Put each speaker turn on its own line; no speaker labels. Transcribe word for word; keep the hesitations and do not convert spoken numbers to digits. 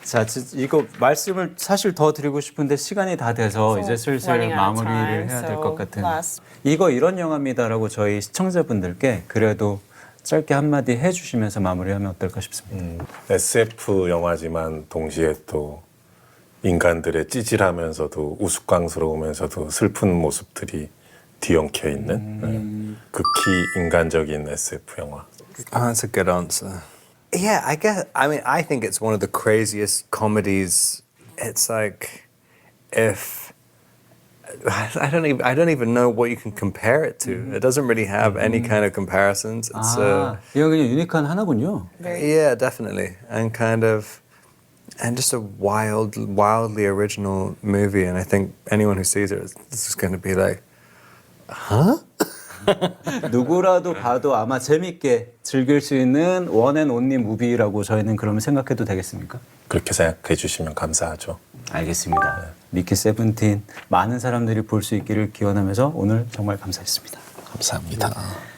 자, 지- 이거 말씀을 사실 더 드리고 싶은데 시간이 다 돼서 이제 슬슬
running out of
마무리를
time,
해야 될
so
것 같은.
last-
이거 이런 영화입니다라고 저희 시청자분들께 그래도 짧게 한마디 해주시면서 마무리하면 어떨까 싶습니다.
음, 에스에프 영화지만 동시에 또 인간들의 찌질하면서도 우스꽝스러우면서도 슬픈 모습들이 뒤엉켜 있는 네. 극히 인간적인 에스에프 영화.
Oh, that's a good answer. Yeah, I guess. I mean, I think it's one of the craziest comedies. It's like if I don't even I don't even know what you can compare it to. It doesn't really have any kind of comparisons. It's
아, 이거 그냥 유니크한 하나군요.
uh, yeah, definitely, and kind of, and just a wild, wildly original movie. And I think anyone who sees it, this is going to be like, huh?
누구라도 봐도 아마 재밌게 즐길 수 있는 원앤온리 무비라고 저희는 그러면 생각해도 되겠습니까?
그렇게 생각해 주시면 감사하죠.
알겠습니다. 미키 세븐틴 많은 사람들이 볼 수 있기를 기원하면서 오늘 정말 감사했습니다.
감사합니다.